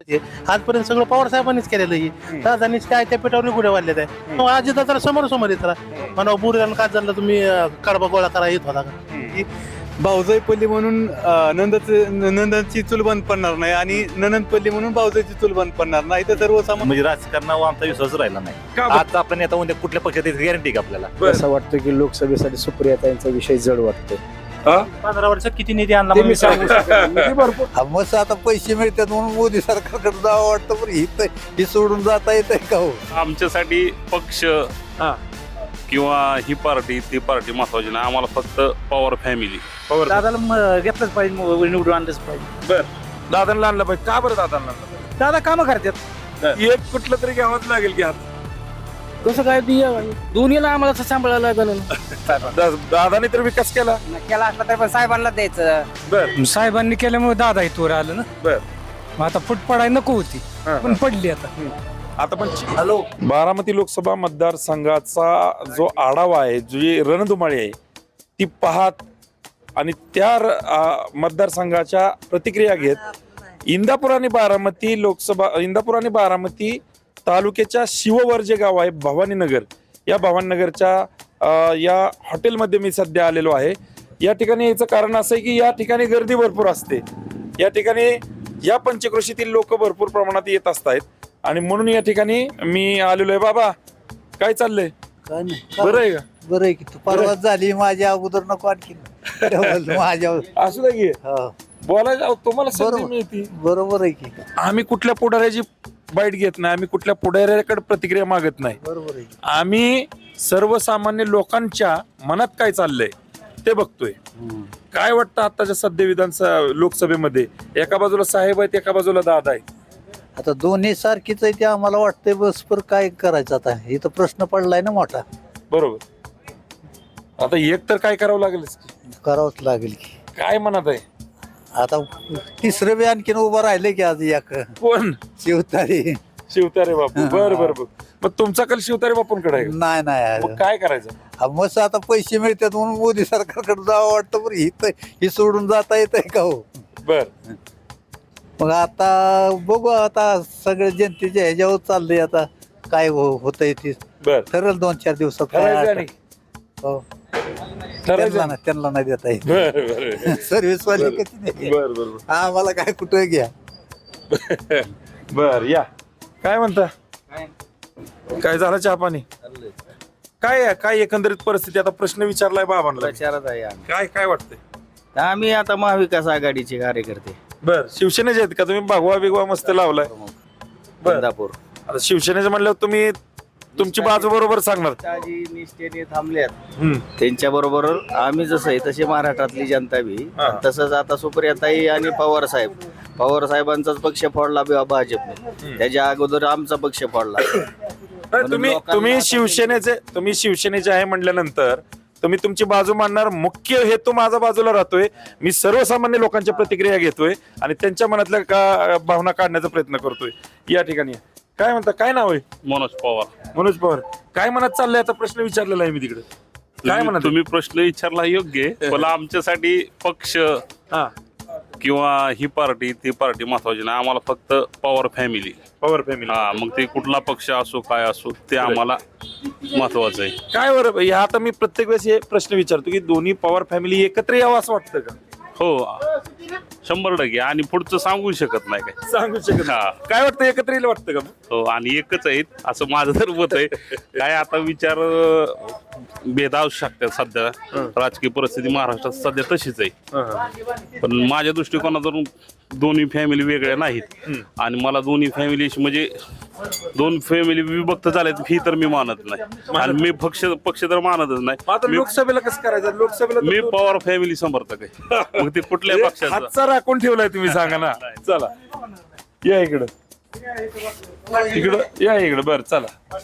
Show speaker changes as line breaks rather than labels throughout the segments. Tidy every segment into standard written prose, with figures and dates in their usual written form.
आहे. आजपर्यंत सगळं पवार साहेबांनीच केलेलं आहे. राजधानीच काय त्या पेटावर गुढ्या वाढलेत आहे. आजी दादा समोर समोर येत राहा म्हणा बुरगान का झालं तुम्ही कडबा गोळा करा येत होता का.
भाऊजाईपल्ली म्हणून नंदनची चूल बंद पडणार नाही आणि ननंदपल्ली म्हणून भाऊजाईची चूल बंद पडणार नाही. तर सर्वसामान्य
म्हणजे राजकारणावर आमचा विश्वास राहिला नाही. आता आपण आता उद्या कुठल्या पक्षात गॅरंटी का आपल्याला.
असं वाटतं की लोकसभेसाठी सुप्रियाताईंचा विषय जड वाटतोय.
15 वर्षात किती निधी आणला
ते मी सांगू शकत नाही. निधी भरपूर
मस्त आता पैसे मिळतात म्हणून मोदी सरकारकडे जावं वाटतं. पण ही सोडून जाता येत आहे का हो.
आमच्यासाठी पक्ष किंवा ही पार्टी ती पार्टी महत्वाची नाही. आम्हाला फक्त पवार फॅमिली.
दादाला घेतलंच पाहिजे निवडून आणलंच पाहिजे.
दादांना आणलं पाहिजे. का बरं दादांना आणलं पाहिजे?
दादा कामं करतात.
एक कुठलं तरी घ्यावंच लागेल की हात.
कसं काय दोन्हीला आम्हाला सांभाळायला लागलं.
दादाने तर विकास केला.
केला असला तर पण साहेबांना द्यायचं.
बर
साहेबांनी केल्यामुळे दादा इथवर आलं ना.
बर
मग आता फुट पडाय नको होती पण पडली आता.
आता पण बारामती लोकसभा मतदारसंघाचा जो आढावा आहे, जी रणधुमाळी आहे ती पाहत आणि त्या मतदारसंघाच्या प्रतिक्रिया घेत इंदापूर आणि बारामती तालुक्याच्या शिववर जे गाव आहे भवानीनगर, या भवानीनगरच्या या हॉटेलमध्ये मी सध्या आलेलो आहे. या ठिकाणी याचं कारण असं आहे की या ठिकाणी गर्दी भरपूर असते. या ठिकाणी या पंचक्रोशीतील लोक भरपूर प्रमाणात येत असतात आणि म्हणून या ठिकाणी मी आलेलो आहे. बाबा काय चाललंय?
काय नाही
बरं आहे का?
बरं आहे की तू परवाच झाली माझ्या अगोदर नको आणखी माझ्या
असू दे की
हो.
बोलायला तुम्हाला संधी
बरोबर.
मिळते.
बरोबर आहे की.
आम्ही कुठल्या पुढाऱ्याची बाईट घेत नाही. आम्ही कुठल्या पुढाऱ्याकडे प्रतिक्रिया मागत नाही.
बरोबर आहे की.
आम्ही सर्वसामान्य लोकांच्या मनात काय चाललंय ते बघतोय. काय वाटतं आताच्या सध्या विधानसभा लोकसभेमध्ये एका बाजूला साहेब आहेत, एका बाजूला दादा आहेत.
आता दोन्ही सारखीच आहे ते आम्हाला वाटतंय. बस पर काय करायचं आता. इथं प्रश्न पडलाय ना मोठा.
बरोबर. आता एक तर काय करावं लागेल.
करावंच लागेल की.
काय म्हणत आहे
आता तिसरं बी आणखीन उभं राहिलं की आज एक
कोण?
शिवतारी.
शिवतारे बापू. बर बर बर. मग तुमचा कल शिवतारे बापूंकडे आहे का?
नाही
मग काय करायचं?
मस्त आता पैसे मिळतात म्हणून मोदी सरकारकडे जावं वाटतं. पण ही सोडून जाता येत आहे का हो.
बर.
मग आता बघू. आता सगळ्या जनतेच्या ह्याच्यावर चाललंय. आता काय होतंय ते
बर.
ठरेल 2-4 दिवसात.
ठरायचं आणि
हो.
ठरायचं.
त्यांना नाही देता येत.
बर बर
सर्व्हिस वाले कधी नाही.
बर बर
आम्हाला काय कुठं घ्या.
बर. या काय म्हणता? काय झालं चहा पाणी? काय आहे? काय एकंदरीत परिस्थिती? आता प्रश्न विचारलाय बाबांना.
प्रचारात आहे आम्ही.
काय काय वाटतंय?
आम्ही आता महाविकास आघाडीचे कार्यकर्ते.
बर. शिवसेनेचे आहेत का तुम्ही? भगवा बिगवा मस्त लावलाय. बर.
इंदापूर
आता शिवसेनेचे म्हणल्यावर तुम्ही तुमची बाजू बरोबर सांगणार.
ताजी निष्ठेने थांबल्यात.
हम्म.
त्यांच्या बरोबर आम्ही जसं आहे तसे महाराष्ट्रातली जनता बी.
हा.
तसंच आता सुप्रियाताई आणि पवार साहेबांचाच पक्ष फोडला भाजपने. त्याच्या अगोदर आमचा पक्ष फोडला.
तुम्ही शिवसेनेचे आहे म्हटल्यानंतर तुम्ही तुमची बाजू मांडणार. मुख्य हेतू माझा बाजूला राहतोय. मी सर्वसामान्य लोकांच्या प्रतिक्रिया घेतोय आणि त्यांच्या मनातल्या भावना काढण्याचा प्रयत्न करतोय. या ठिकाणी काय म्हणता? काय नाव आहे?
मनोज पवार.
मनोज पवार. काय मनात चाललंय? आता प्रश्न विचारलेला आहे मी तिकडे. काय म्हणत?
तुम्ही प्रश्न विचारला योग्य आहे. पण आमच्यासाठी पक्ष
हा
किंवा ही पार्टी ती पार्टी महत्वाची नाही. आम्हाला फक्त पवार फॅमिली.
पवार फॅमिली.
हा, मग ते कुठला पक्ष असो काय असो ते आम्हाला महत्वाचं आहे.
काय बरं या आता मी प्रत्येक वेळेस हे प्रश्न विचारतो की दोन्ही पवार फॅमिली एकत्र यावं असं वाटतं का?
हो 100%. आणि पुढचं सांगू शकत नाही काय.
सांगू शकत.
हा.
काय वाटतं? एकत्र येईल वाटतं का?
हो आणि एकच आहेत असं माझं तर मत आहे. काय आता विचार भेद असू शकतात. सध्या राजकीय परिस्थिती महाराष्ट्रात सध्या तशीच आहे. पण माझ्या दृष्टिकोनातून दोन्ही फॅमिली वेगळ्या नाहीत आणि मला दोन्ही फॅमिली म्हणजे दोन फॅमिली विभक्त झाल्यात ही तर मी मानत नाही आणि मी पक्ष तर मानतच नाही.
आता लोकसभेला कसं करायचं? लोकसभेला
मी पवार फॅमिली समर्थक आहे. मग ते कुठल्या पक्षाचा
हातचा राखून ठेवलाय तुम्ही सांगा ना. चला या इकडं. इकडं या इकडं. बर चला.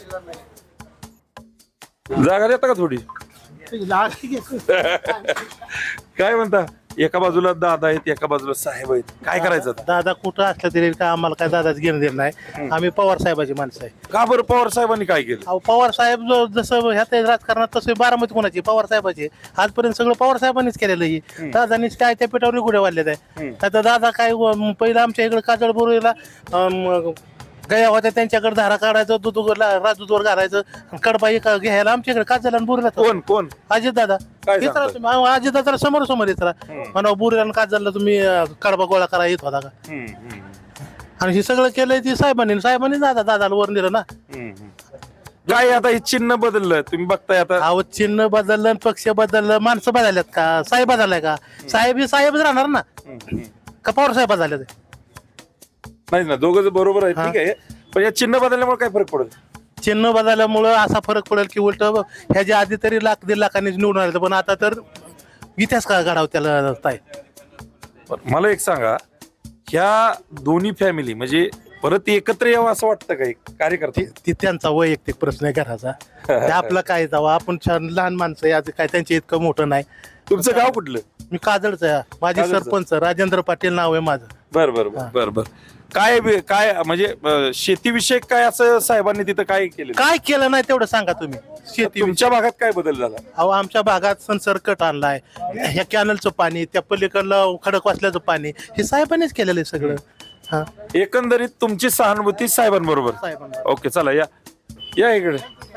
जागा देता का थोडी? काय म्हणता? एका बाजूला दादा आहेत एका बाजूला साहेब आहेत काय करायचं आता?
दादा कुठं असलं तरी का आम्हाला काय दादाच घेणं देणं नाही. आम्ही पवार साहेबाची माणसं आहे.
का बरं पवार साहेबांनी काय केलं?
अहो पवार साहेब जसं ह्यात राजकारणात तसं बारामती कोणाची पवार साहेबाची आजपर्यंत सगळं पवार साहेबांनीच केलेलं आहे. दादानीच काय त्या पिठावर गुढे वाढलेत आहे. आता दादा काय पहिलं आमच्या इकडे काजळ बोरीला गया होत्या त्यांच्याकडे धारा काढायचं दूध राजदूतवर घालायचं कडबा घ्यायला आमच्याकडे काजळ आणि बोरीला
कोण
अजित दादा
काय
येत राहा तुम्ही अजित दादा समोर समोर येत राहा म्हणा बोरीला आणि काजळला तुम्ही कडबा गोळा करा येत होता का. आणि हे सगळं केलंय ती साहेबांनी दादाला वर नेलं ना.
काय आता हे चिन्ह बदललं तुम्ही बघताय आता.
अहो चिन्ह बदललं पक्ष बदललं माणसं बदलल्यात का साहेब बदललाय का साहेब ही साहेबच राहणार ना का पवार साहेब बदलले ते
नाही ना दोघं बरोबर आहे ठीक आहे पण या चिन्ह बदलल्यामुळे काय फरक पडेल?
चिन्ह बदलल्यामुळं असा फरक पडेल की उलट ह्याच्या आधी तरी 1,00,000-1,50,000 लाखांनी निवडून आले पण आता तर इतिहास का घडाव त्याला ताय.
मला एक सांगा ह्या दोन्ही फॅमिली म्हणजे परत एकत्र यावं असं वाटतं का एक कार्यकर्ते?
ती त्यांचा वैयक्तिक प्रश्न आहे घराचा ते आपलं काय जावं आपण छान लहान माणसं आहे, आज काय त्यांचे इतकं मोठं नाही.
तुमचं गाव कुठलं?
मी काजळचं आहे. माझी
काजळचं.
सरपंच राजेंद्र पाटील नाव आहे माझं.
बर काय म्हणजे शेतीविषयक काय असं साहेबांनी तिथं काय केलं?
काय केलं नाही तेवढं सांगा तुम्ही. शेती
तुमच्या भागात काय बदल झाला?
अहो आमच्या भागात संसर्कट आणलाय ह्या कॅनलचं पाणी त्या पलीकडलं खडक वाचल्याचं पाणी हे साहेबांनीच केलेलं आहे सगळं. हा
एकंदरीत तुमची सहानुभूती साहेबांबरोबर.
साहेबांना
ओके चला या इकडे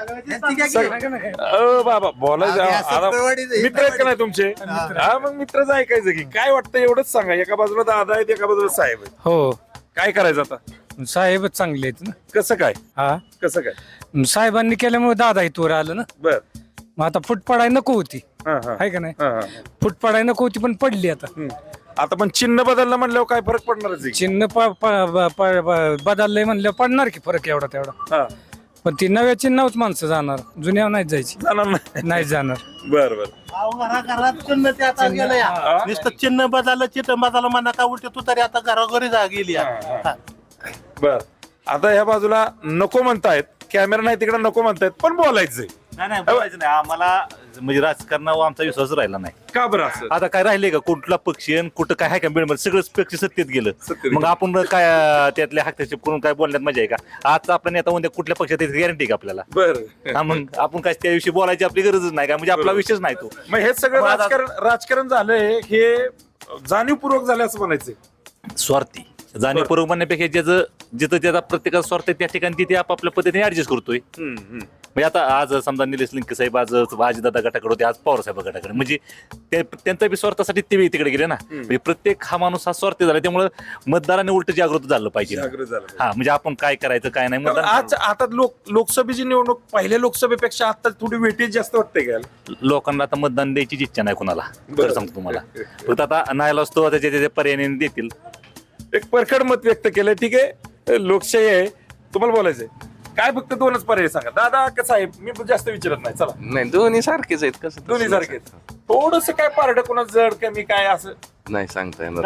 बाबा बोलायचं आता मित्र आहेत का नाही तुमचे? हा मग मित्रच ऐकायचं की काय वाटतं एवढंच सांगा. एका बाजूला दादा आहेत एका बाजूला साहेब आहेत
हो
काय करायचं आता?
साहेबच चांगले आहेत ना.
कसं काय
हा
कसं काय?
साहेबांनी केल्यामुळे दादा इथवर आलं ना.
बर
मग आता फूट पडाय नको होती
हा हा
आहे का नाही.
हा, हा.
फूट पडाय नको होती पण पडली आता.
आता पण चिन्ह बदललं म्हणल्यावर काय फरक पडणारच आहे की?
चिन्ह बदललंय म्हणलं पडणार की फरक एवढा तेवढा.
हा
पण ती नव्या चिन्हावच माणसं जाणार जुन्या नाही जायची
जाणार नाही.
नाही जाणार.
बर
घरात चिन्ह ते आता गेलं या नुसतं चिन्ह बदललं चिन्ह बदललं म्हणा का उलट तू तरी आता घरोघरी जा गेली या. हा.
बर आता ह्या बाजूला नको म्हणतायत कॅमेरा नाही तिकडे नको म्हणतायत पण बोलायचंय
नाही बोलायचं नाही आम्हाला म्हणजे राजकारणावर आमचा विश्वास राहिला नाही.
का बरं असं?
आता काय राहिले का कुठला पक्षी आणि कुठं काय आहे का मिळमध्ये सगळंच पक्ष सत्तेत गेलं.
सत्तेत
मग आपण काय त्यातल्या हस्तक्षेप करून काय बोलण्यात मजा आहे का? आजचा आपण आता उद्या कुठल्या पक्षात गॅरंटी का आपल्याला?
बर
हा मग आपण काय त्याविषयी बोलायची आपली गरजच नाही का म्हणजे आपला विषयच नाही तो.
मग हे सगळं
मग आता-
राजकारण झालंय हे जाणीवपूर्वक झालं असं म्हणायचंय.
स्वार्थी जाणीवपूर्वक म्हणण्यापेक्षा ज्याचं जिथं त्याचा प्रत्येकाचा स्वार्थ आहे त्या ठिकाणी तिथे आपापल्या पद्धतीने ऍडजस्ट करतोय. म्हणजे आता आज समजा निलेश लिंके साहेब आज अजितदादा गटाकडे होते आज पवार साहेब गटाकडे म्हणजे त्यांचा बी स्वार्थासाठी ते तिकडे गेले ना. म्हणजे प्रत्येक हा माणूस हा स्वार्थी झाला त्यामुळे मतदाराने उलट जागृत झालं पाहिजे. हा म्हणजे आपण काय करायचं काय नाही
आज आता लोकसभेची निवडणूक पहिल्या लोकसभेपेक्षा आता थोडी वेटेज जास्त वाटते का?
लोकांना आता मतदान द्यायची इच्छा नाही कोणाला तर सांगतो तुम्हाला. फक्त आता नाहीला असतो त्याच्या पर्यायाने देतील.
एक परखड मत व्यक्त केलंय ठीक आहे लोकशाही आहे तुम्हाला बोलायचंय काय फक्त दोनच पर्याय सांगा दादा का साहेब मी जास्त विचारत नाही चला.
नाही दोन्ही सारखेच आहेत कसं
दोन्ही सारखे थोडस काय पारड कोणा जड कमी काय असं
नाही सांगता येणार.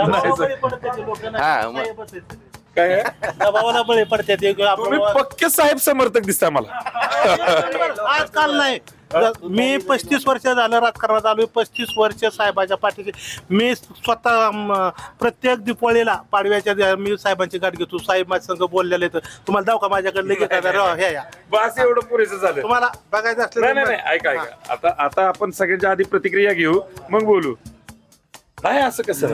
काय आहे?
दबावाला बळी पडते ते
तुम्ही पक्के साहेब समर्थक दिसताय मला.
आजकाल नाही मी 35 वर्ष झालं राजकारणात आलोय. 35 वर्ष साहेबाच्या पाठीशी मी स्वतः प्रत्येक दिवाळीला पाडव्याच्या मी साहेबांची गाठ घेतो. साहेब माझ्या संघ बोललेले तर तुम्हाला दाव का माझ्याकडे लगेच हे या
बस एवढं पुरेसं झालं.
तुम्हाला बघायचं
नाही
असलं
नाही ऐका आता आपण सगळ्यांच्या आधी प्रतिक्रिया घेऊ मग बोलू. नाही असं कसं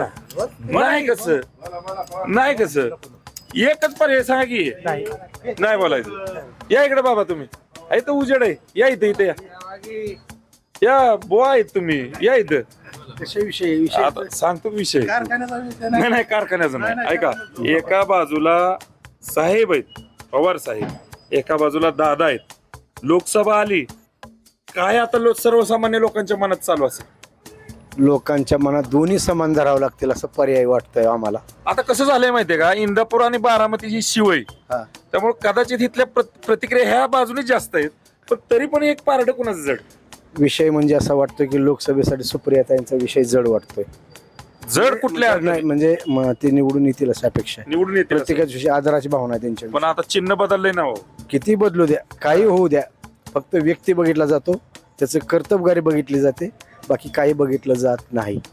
नाही कसं एकच पर्याय सांगा की नाही बोलायचं. या इकडे बाबा तुम्ही तर उजेड आहे या इथे या बुवा आहेत तुम्ही या इथं आता सांगतो विषय नाही कारखान्याचा नाही. ऐका एका बाजूला साहेब आहेत पवार साहेब एका बाजूला दादा आहेत. लोकसभा आली काय आता सर्वसामान्य लोकांच्या मनात चालू असेल?
लोकांच्या मनात दोन्ही समान धरावं लागतील असं पर्याय वाटतंय आम्हाला.
आता कसं झालंय माहितीये का इंदापूर आणि बारामती ही शिवय त्यामुळे कदाचित इथल्या प्रतिक्रिया ह्या बाजूने जास्त आहेत पण तरी पण एक पारड कुणाचं जड
विषय म्हणजे असा वाटतोय की लोकसभेसाठी सुप्रियाताईंचा विषय जड वाटतोय.
जड कुठल्या
नाही म्हणजे ते निवडून येतील अशा अपेक्षा आहे.
निवडून येते
प्रत्येकाच्या विषयी आदराची भावना आहे त्यांच्या.
पण आता चिन्ह बदललंय ना हो.
किती बदलू द्या काही होऊ द्या फक्त व्यक्ती बघितला जातो त्याचं कर्तबगारी बघितली जाते बाकी काही बघितलं जात नाही.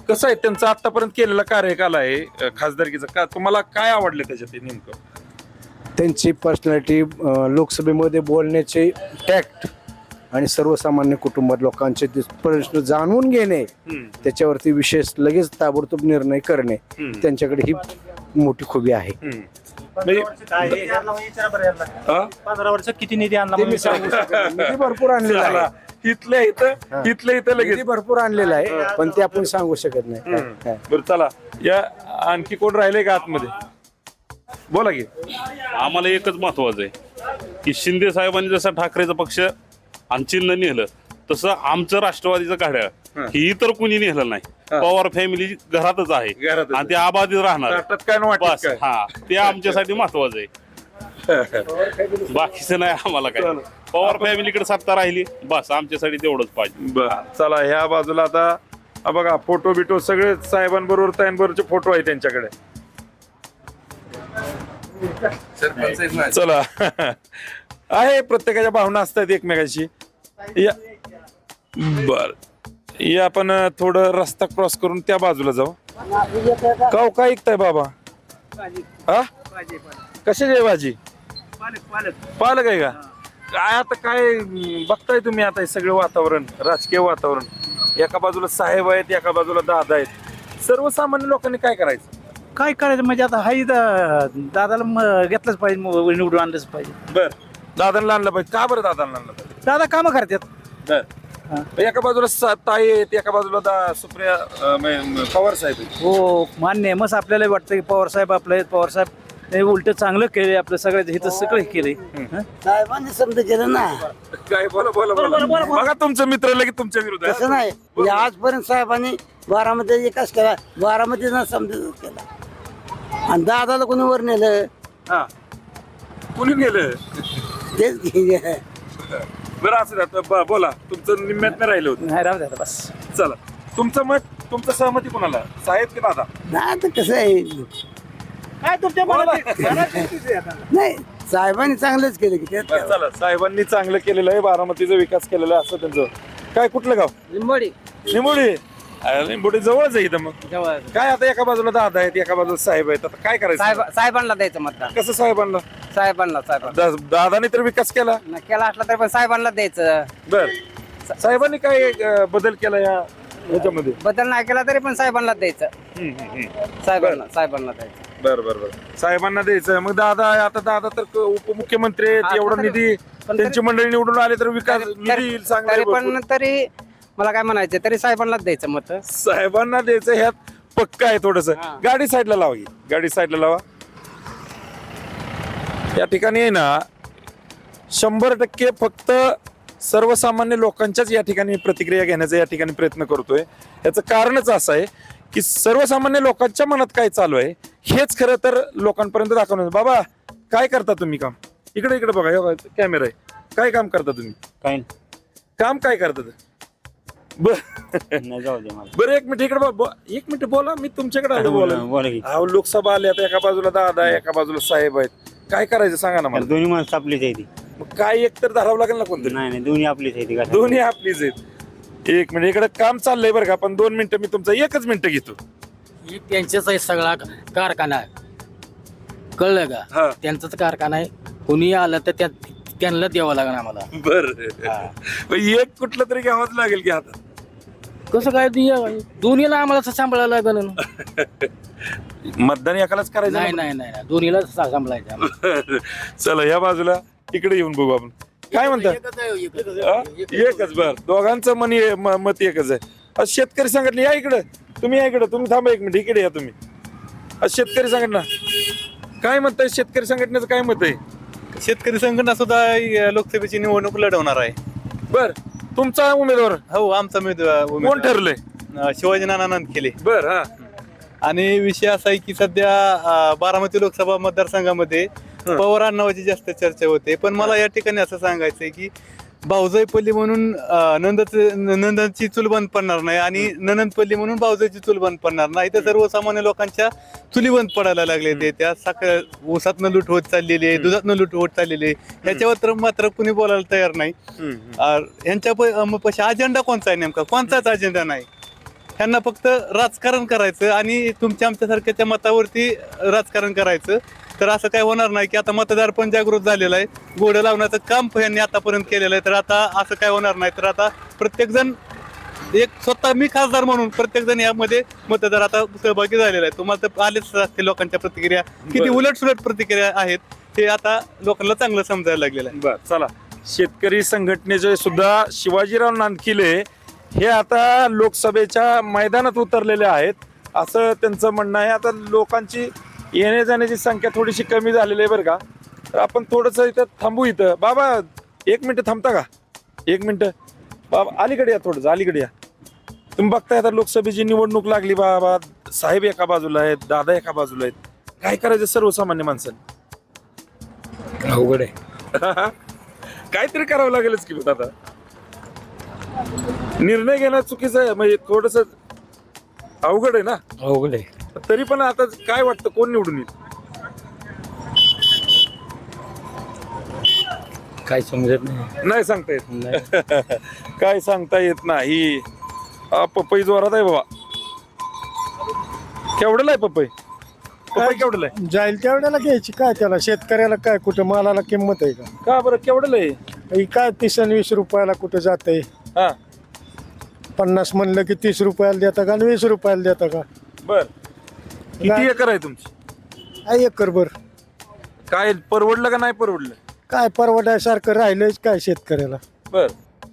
कसं आहे त्यांचं आतापर्यंत केलेला कार्यकाल आहे खासदारकीचा, का तुम्हाला काय आवडलं त्याच्यात नेमकं?
त्यांची पर्सनॅलिटी, लोकसभेमध्ये बोलण्याचे टॅक्ट आणि सर्वसामान्य कुटुंबात लोकांचे ते प्रश्न जाणून घेणे, त्याच्यावरती विशेष लगेच ताबडतोब निर्णय करणे, त्यांच्याकडे ही मोठी खूबी आहे.
म्हणजे- हा?
15 वर्षात किती निधी आणला
ते मी सांगू शकत नाही. निधी भरपूर आणलेला आहे,
इथल्या इथं लगेच
निधी भरपूर आणलेला आहे, पण ते आपण सांगू शकत नाही. काय?
बरं चला, या आणखी कोण राहिले का आतमध्ये? बोला की.
आम्हाला एकच महत्वाचं आहे की शिंदे साहेबांनी जसा ठाकरेचा पक्ष आणि चिन्ह नेलं तसं आमचं राष्ट्रवादीचं घड्याळ ही इतर कुणी नेलं नाही. पवार फॅमिली घरातच आहे
घरातच
आणि ते आबादित राहणार.
ताटात काय न वाटत
बस
काय?
हा, ते आमच्यासाठी महत्वाचं आहे. बाकीचं नाही आम्हाला काय. पवार फॅमिलीकडे सत्ता राहिली बस, आमच्यासाठी तेवढंच पाहिजे.
बरं चला, ह्या बाजूला आता बघा फोटो बिटो सगळे साहेबांबरोबर ताईंबरोबरचे फोटो आहे त्यांच्याकडे. चला आहे, प्रत्येकाच्या भावना असतात एकमेकाशी. या बर, या आपण थोडं रस्ता क्रॉस करून त्या बाजूला जाऊ. काय ऐकताय बाबा? हा, कशाची आहे भाजी? पालक आहे का? काय आता काय बघताय तुम्ही आता हे सगळं वातावरण, राजकीय वातावरण, एका बाजूला साहेब आहेत, एका बाजूला दादा आहेत. सर्वसामान्य लोकांनी काय करायचं?
काय करायचं म्हणजे आता हाही दादाला घेतलंच पाहिजे, निवडून आणलंच पाहिजे.
बर, दादांना आणलं पाहिजे. का बरं दादांना आणलं पाहिजे?
दादा कामं करतात.
बर, एका बाजूला ताई आहेत, एका बाजूला सुप्रिया पवार साहेब आहेत.
हो मान्य आहे. मस्त आपल्याला वाटतं की पवार साहेब आपले आहेत. पवार साहेब उलट चांगलं केलंय, आपलं सगळ्या हिथं सगळं केलंय.
साहेबांनी समजा केलं ना.
काय बोला बोला बोला. बघा तुमचं मित्र लगेच तुमच्या विरोधात.
तसं नाही म्हणजे आजपर्यंत साहेबांनी बारामती विकास केला, बारामतीचा समजा केला. आणि दादाला कोणी वर नेलं
हा, कुणी गेलं?
तेच घे.
बरं असं जातं. बोला, तुमचं निम्म्यात नाही राहिलं होतं.
नाही राहू द्या बस.
चला, तुमचं मत, तुमचं सहमती कोणाला, साहेब की दादा?
नाही तर कसं आहे,
काय तुमच्या
नाही साहेबांनी चांगलंच केलं की त्यात
बरं, चला, साहेबांनी चांगलं केलेलं आहे, बारामतीचा विकास केलेला आहे असं त्यांचं. काय कुठलं गाव?
लिंबोडी
निंबोडी. निंबोडी जवळच आहे इथं. मग काय आता एका बाजूला दादा आहेत, एका बाजूला साहेब आहेत, आता काय करायचं?
साहेबांना द्यायचं मतदान.
कसं साहेबांना?
साहेबांना
दादाने तर विकास केला.
केला असला तर पण साहेबांना द्यायचं.
बर, साहेबांनी काय बदल केला या ह्याच्यामध्ये?
बदल नाही केला तरी पण साहेबांना द्यायचं. साहेबांना द्यायचं.
बर बर बर, साहेबांना द्यायचं. मग दादा, आता दादा तर उपमुख्यमंत्री आहेत, एवढा निधी त्यांची मंडळी निवडून आले तर विकास निधी चांगला
तरी
आहे
पण
भरपूर.
तरी मला काय म्हणायचं, तरी साहेबांनाच द्यायचं मत.
साहेबांना द्यायचं ह्यात पक्का आहे थोडस. गाडी साईडला लावा की, गाडी साईडला लावा. या ठिकाणी आहे ना 100% फक्त सर्वसामान्य लोकांच्याच या ठिकाणी प्रतिक्रिया घेण्याचा या ठिकाणी प्रयत्न करतोय. याचं कारणच असं आहे की सर्वसामान्य लोकांच्या मनात काय चालू आहे हेच खरं तर लोकांपर्यंत दाखवणं. बाबा, काय करता तुम्ही काम? इकडे इकडे बघा, कॅमेरा आहे. काय काम करता तुम्ही?
काय
काम काय करतात? बरं, एक मिनिट इकडे एक मिनिट बोला, मी तुमच्याकडे आलो बोला. अहो, लोकसभा आली, आता एका बाजूला दादा आहे, एका बाजूला साहेब आहेत. काय करायचं सांगा ना मला.
दोन्ही माणसं आपलीच आहे ती.
मग काय एक तर धरावं लागेल ना कोणतरी.
नाही दोन्ही आपलीच आहे ती.
दोन्ही आपलीच आहेत. एक मिनिट इकडे काम चाललंय बरं का, पण 2 मिनिटं मी तुमचं 1च मिनिटं घेतो.
त्यांच्याच आहे सगळा कारखाना, कळलं
हा.
का? त्यांचाच कारखाना आहे. कोणी आलं तर त्यांना द्यावं लागणार आम्हाला.
बरं, एक कुठलं तरी घ्यावंच लागेल की आता.
कसं काय दोन्हीला आम्हाला सांभाळायला लागेल.
मतदान एकालाच करायचं
नाही
ना?
नाही नाही दोन्हीला सांभाळायचं.
चला, या बाजूला इकडे येऊन बघू आपण. काय म्हणतात? एकच. बर, दोघांचं मत एकच आहे. आज शेतकरी संघटना या इकडे, तुम्ही या इकडे, तुम्ही थांबा एक मिनिट, इकडे या तुम्ही. आज शेतकरी संघटना काय म्हणताय? शेतकरी संघटनेचं काय मत आहे?
शेतकरी संघटना सुद्धा लोकसभेची निवडणूक लढवणार आहे.
बर, तुमचा उमेदवार?
हो, आमचा
कोण ठरलंय?
शिवाजी नाना केले.
बर, हा.
आणि विषय असा आहे की सध्या बारामती लोकसभा मतदारसंघामध्ये पवार नावाची जास्त चर्चा होते. पण मला या ठिकाणी असं सांगायचंय की भाऊजाईपल्ली म्हणून नंदांची चूल बंद पडणार नाही आणि ननंदपल्ली म्हणून भाऊजाईची चूल बंद पडणार नाही. तर सर्वसामान्य लोकांच्या चुली बंद पडायला लागले ते. त्या साखर ऊसातनं लूट होत चाललेली आहे, दुधातनं लूट होत चाललेली आहे. ह्याच्यावर तर मात्र कुणी बोलायला तयार नाही. ह्यांच्या पशी अजेंडा कोणता आहे नेमका? कोणताच अजेंडा नाही.
ह्यांना फक्त राजकारण करायचं आणि तुमच्या आमच्यासारख्याच्या मतावरती राजकारण करायचं. तर असं काय होणार नाही की आता मतदार पण जागृत झालेला आहे, घोडं लावण्याचं काम यांनी आतापर्यंत केलेलं आहे. तर आता असं काय होणार नाही. तर आता प्रत्येकजण एक स्वतः मी खासदार म्हणून प्रत्येकजण यामध्ये मतदार आता सहभागी झालेला आहे. तुम्हाला तर आलेच असते लोकांच्या प्रतिक्रिया, किती उलटसुलट प्रतिक्रिया आहेत हे आता लोकांना चांगलं समजायला लागलेलं आहे.
बर चला, शेतकरी संघटनेचे सुद्धा शिवाजीराव नांदकिले हे आता लोकसभेच्या मैदानात उतरलेले आहेत असं त्यांचं म्हणणं आहे. आता लोकांची येण्या जाण्याची संख्या थोडीशी कमी झालेली आहे बरं का. तर आपण थोडंसं इथं थांबू. इथं बाबा 1 मिनिट थांबता का? 1 मिनिट बाबा, अलीकडे या, थोडंसं अलीकडे या. तुम्ही बघताय आता लोकसभेची निवडणूक लागली बाबा, साहेब एका बाजूला आहेत, दादा एका बाजूला आहेत. काय करायचं सर्वसामान्य माणसाने?
अवघड आहे.
काहीतरी करावं लागेलच की आता. निर्णय घेणं चुकीचं आहे, म्हणजे थोडस अवघड आहे ना.
अवघड आहे.
तरी पण आता काय वाटतं, कोण निवडून येईल?
काय समजत नाही.
नाही सांगता येत. काय सांगता येत नाही. पपई जोरात आहे बाबा. केवढ्याला आहे पपई? पपई केवढ्याला आहे?
जाईल तेवढ्याला घ्यायची, काय त्याला शेतकऱ्याला काय कुठं मालाला किंमत आहे का?
का बरं केवढ्याला आहे?
ही काय 30 आणि 20 रुपयाला कुठं जाते?
हा
50 म्हणलं की 30 रुपयाला देता का आणि 20 रुपयाला देता का?
बर. किती एकर आहे तुमची?
आहे एकरभर.
काय परवडलं का नाही परवडलं?
काय परवडायसारखं राहिलंच काय शेतकऱ्याला?
बर.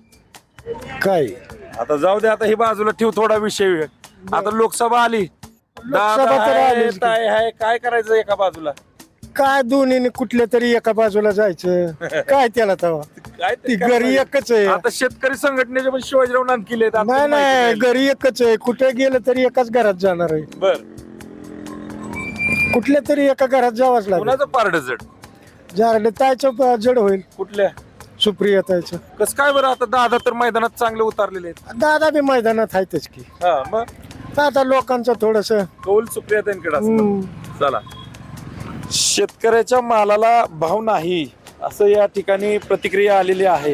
काय
आता जाऊ दे, आता हे बाजूला ठेव, थोडा विषय. आता लोकसभा आली,
लोकसभा तर आलीच की.
काय करायचं एका बाजूला?
काय दोन्ही कुठल्या तरी एका बाजूला जायचं काय त्याला तवा?
काय
ती घरी एकच आहे.
आता शेतकरी संघटनेचे पण शिवाजीराव नांदकिले आहेत.
नाही नाही, घरी एकच आहे. कुठे गेलं तरी एकाच घरात जाणार आहे.
बर.
कुठल्या तरी एका घरात जावंच लागेल.
कुणाचं पारड जड?
झालं तायचं जड होईल.
कुठल्या?
सुप्रिया तायचं.
कस काय बरं? आता दादा तर मैदानात चांगले उतरलेले आहेत.
दादा बी मैदानात आहेतच की.
हा मग
आता लोकांचं थोडस
कौल सुप्रिया त्यांकडे असतं. चला, शेतकऱ्याच्या मालाला भाव नाही असं या ठिकाणी प्रतिक्रिया आलेली आहे.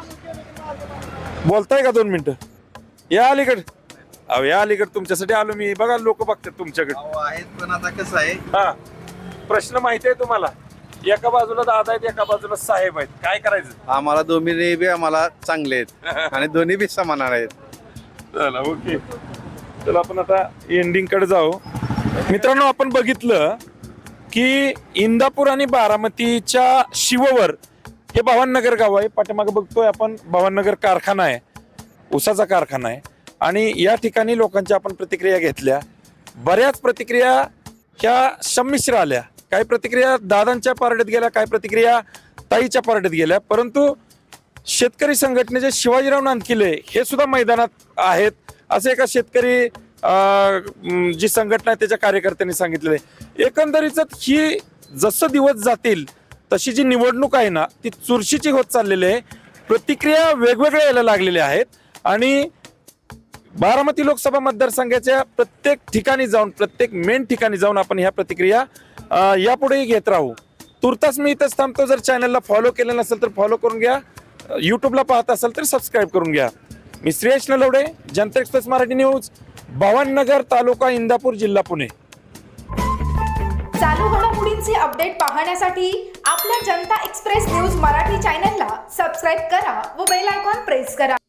बोलताय का 2 मिनिटं? या अलीकड. अहो या अलीकड, तुमच्यासाठी आलो मी. बघा लोक बघतात तुमच्याकडे
आहेत, पण आता कसं आहे,
हा प्रश्न माहिती आहे तुम्हाला? एका बाजूला दादा आहेत, एका बाजूला साहेब आहेत. काय करायचं?
आम्हाला दोन्ही बी आम्हाला चांगले आहेत आणि दोन्ही बी समान आहेत.
चला ओके. चला आपण आता एंडिंग कडे जाऊ. मित्रांनो, आपण बघितलं की इंदापूर आणि बारामतीच्या शिववर हे भवाननगर गाव आहे. पाठीमागे बघतोय आपण भवाननगर कारखाना आहे, उसाचा कारखाना आहे. आणि या ठिकाणी लोकांच्या आपण प्रतिक्रिया घेतल्या. बऱ्याच प्रतिक्रिया ह्या संमिश्र आल्या. काही प्रतिक्रिया दादांच्या पारड्यात गेल्या, काही प्रतिक्रिया ताईच्या पारड्यात गेल्या. परंतु शेतकरी संघटनेचे शिवाजीराव नांदकिले हे सुद्धा मैदानात आहेत असे एका शेतकरी जी संघटना आहे त्याच्या कार्यकर्त्यांनी सांगितलेलं आहे. एकंदरीत ही जसं दिवस जातील तशी जी निवडणूक आहे ना ती चुरशीची होत चाललेली आहे. प्रतिक्रिया वेगवेगळ्या यायला लागलेल्या आहेत आणि बारामती लोकसभा मतदारसंघाच्या प्रत्येक ठिकाणी जाऊन, प्रत्येक मेन ठिकाणी जाऊन आपण ह्या प्रतिक्रिया यापुढेही घेत राहू. तुर्तास मी इथंच थांबतो. जर चॅनलला फॉलो केलं नसेल तर फॉलो करून घ्या. युट्यूबला पाहत असाल तर सबस्क्राईब करून घ्या. मी श्रेयश नलवडे, जनता एक्सप्रेस मराठी न्यूज, भवाननगर, तालुका इंदापूर, जिल्हा पुणे.
चालू घडामोडींचे अपडेट पाहण्यासाठी आपल्या जनता एक्सप्रेस न्यूज मराठी चॅनलला सबस्क्राईब करा व बेल आयकॉन प्रेस करा.